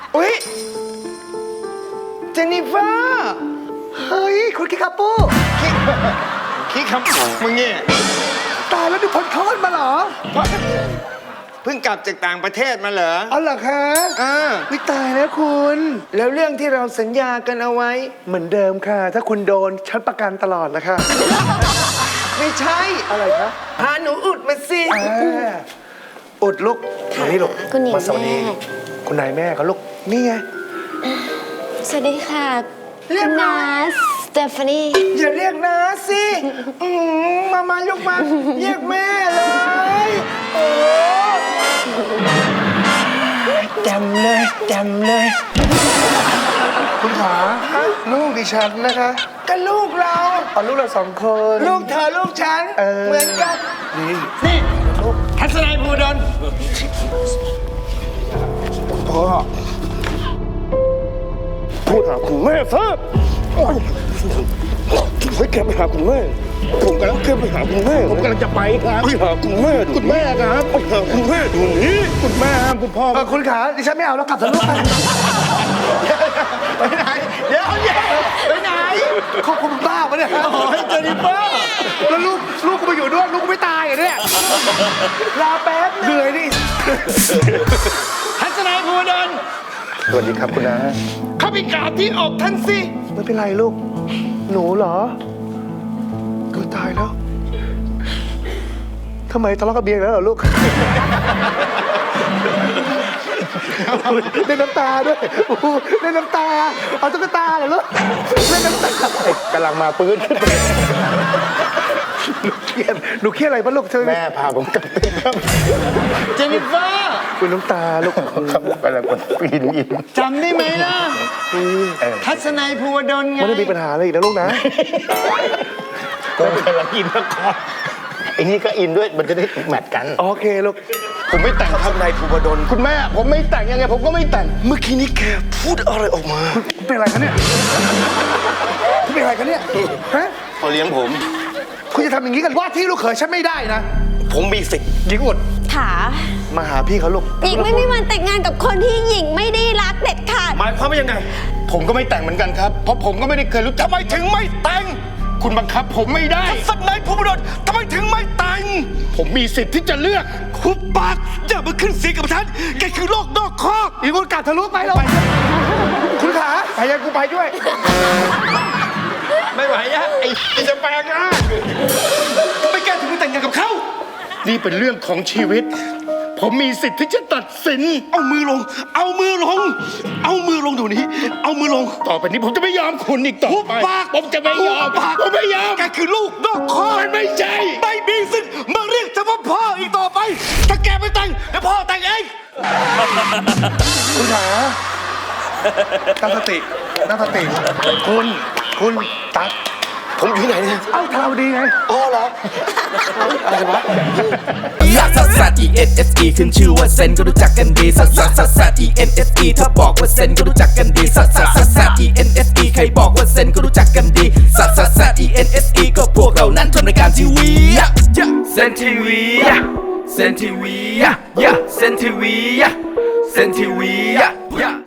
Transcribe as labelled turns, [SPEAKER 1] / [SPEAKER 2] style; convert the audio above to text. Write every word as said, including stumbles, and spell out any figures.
[SPEAKER 1] อุ๊ยเจนนิเฟอร์เฮ้ยคุณคิคาปูคิคิคาปูมึงเนี่ยตายแล้วนี่พ้นคลอดมาเหรอเพิ่งกลับจากต่างประเทศมาเหรออ๋อเหรอคะอ่าวิตายแล้วคุณแล้วเรื่องที่เราสัญญากันเอาไว้เหมือนเดิมค่ะ ถ้าคุณโดนฉันประกันตลอดนะคะไม่ใช่อะไรคะพาหนูอุดมาสิอุดลูกมานี่ลูกมาสวัสดีคุณนายแม่เขาลูกนี่ไง
[SPEAKER 2] สวัสดีค่ะเรียกนาสเตฟานี
[SPEAKER 1] อย่าเรียกนาสิมามาลูกมาเรียกแม่เลยโอ้จำเลยจำเลยคุณขาลูกดิฉันนะคะก็ลูกเราเอาลูกเราสองคนลูกเธอลูกฉันเหมือนกันนี่นี่ทัศนัยภูดลพ่อพูดหาคุณแม่ซะให้แกไปหาคุณแม่ผมกำลังแกไปหาคุณแม่ผมกำลังจะไปครับไปหาคุณแม่คุณแม่ครับไปหาคุณแม่ตรงนี้คุณแม่ห้ามคุณพ่อคุณขาดิฉันไม่เอาแล้วกลับเถอะลูกไปไหนเดี๋ยวเดี๋ยวไปไหนเขาคุณบ้าปะเนี่ยโอ้ยเจนิเฟอร์แล้วลูกลูกกูไปอยู่ด้วยลูกกูไม่ตายเหรอเนี่ยลาแป๊บเหนื่อยดิทัศนัยภูดลสวัสดีครับคุณน้าข้าพิการที่ออกท่านสิไม่เป็นไรลูกหนูเหรอก็ตายแล้วทำไมทะเลาะกับเบียร์แล้วเหรอลูกเล่นน้ำตาด้วยเล่นน้ำตาเอาตุ๊กตาเหรอลูกเล่นน้ำตากำลังมาปื้นขึ้นไปหนูเครียดหนูเครียดอะไรบ้างลูกเธอแม่พาผมกลับไปครับเจนิเฟอร์คุณน้ำตาลูกครับกำลังปีนอินจำได้ไหมล่ะทัศนัยภูวดลไงไม่ได้มีปัญหาอะไรอีกนะลูกนะก็กำลังอินละครไอ้นี่ก็อินด้วยมันจะได้แมทกันโอเคลูกผมไม่แต่งทัศนัยภูวดลคุณแม่ผมไม่แต่งยังไงผมก็ไม่แต่งเมื่อกี้นี้แกพูดอะไรออกมาเป็นอะไรคะเนี่ยเป็นอะไรคะเนี่ยฮะเขาเลี้ยงผมคุณจะทำอย่างนี้กันว่าที่ลูกเขยฉันไม่ได้นะผมมีสิทธิ์หญิงอุด
[SPEAKER 2] ค่ะ
[SPEAKER 1] มาหาพี่เขาลูก
[SPEAKER 2] หญิงไม่มีวันแต่งงานกับคนที่หญิงไม่ได้รักเด็ดขาด
[SPEAKER 1] หมายความว่ายังไงผมก็ไม่แต่งเหมือนกันครับเพราะผมก็ไม่ได้เคยรู้ทำไมถึงไม่แต่งคุณบังคับผมไม่ได้ทัศนัยภูวดลทำไมถึงไม่แต่งผมมีสิทธิ์ที่จะเลือกคุบปากอย่ามาขึ้นเสียงกับฉันแกคือโลกนอกคอกอีกคนกัดทะลุไปเราคุณขาไปยังกูไปด้วยไม่ไหวอะไอ้จะแปลงนะไม่แกถึงไปแต่งงานกับเขานี่เป็นเรื่องของชีวิตผมมีสิทธิ์ที่จะตัดสินเอามือลงเอามือลงเอามือลงเดี๋ยวนี้เอามือลงต่อไปนี้ผมจะไม่ยอมคุณอีกต่อไปผมจะไม่ยอมผมไม่ยอมแกคือลูกนอกคอกมันไม่ใช่ไม่มีสิทธิ์มาเรียกฉันว่าพ่ออีกต่อไปถ้าแกไม่แต่งเดี๋ยวพ่อแต่งเองคุณขาตั้งสติตั้งสติคุณคุณตั๊กผมอยู่ที่ไหนเนี่ยเอ้าทาวดีไงอ๋อเหรออะไรวะ
[SPEAKER 3] ลักซัสซัส E N S E ขึ้นชื่อว่าเซนก็รู้จักกันดีซัสซัสซัสซัส E N S E ถ้าบอกว่าเซนก็รู้จักกันดีซัสซัสซัสซัส E N S E ใครบอกว่าเซนก็รู้จักกันดีซัสซัสซัส E N S E ก็พวกเรานั้นทำรายการทีวีเซนทีวีเซนทีวีเซนทีวีเซนทีวี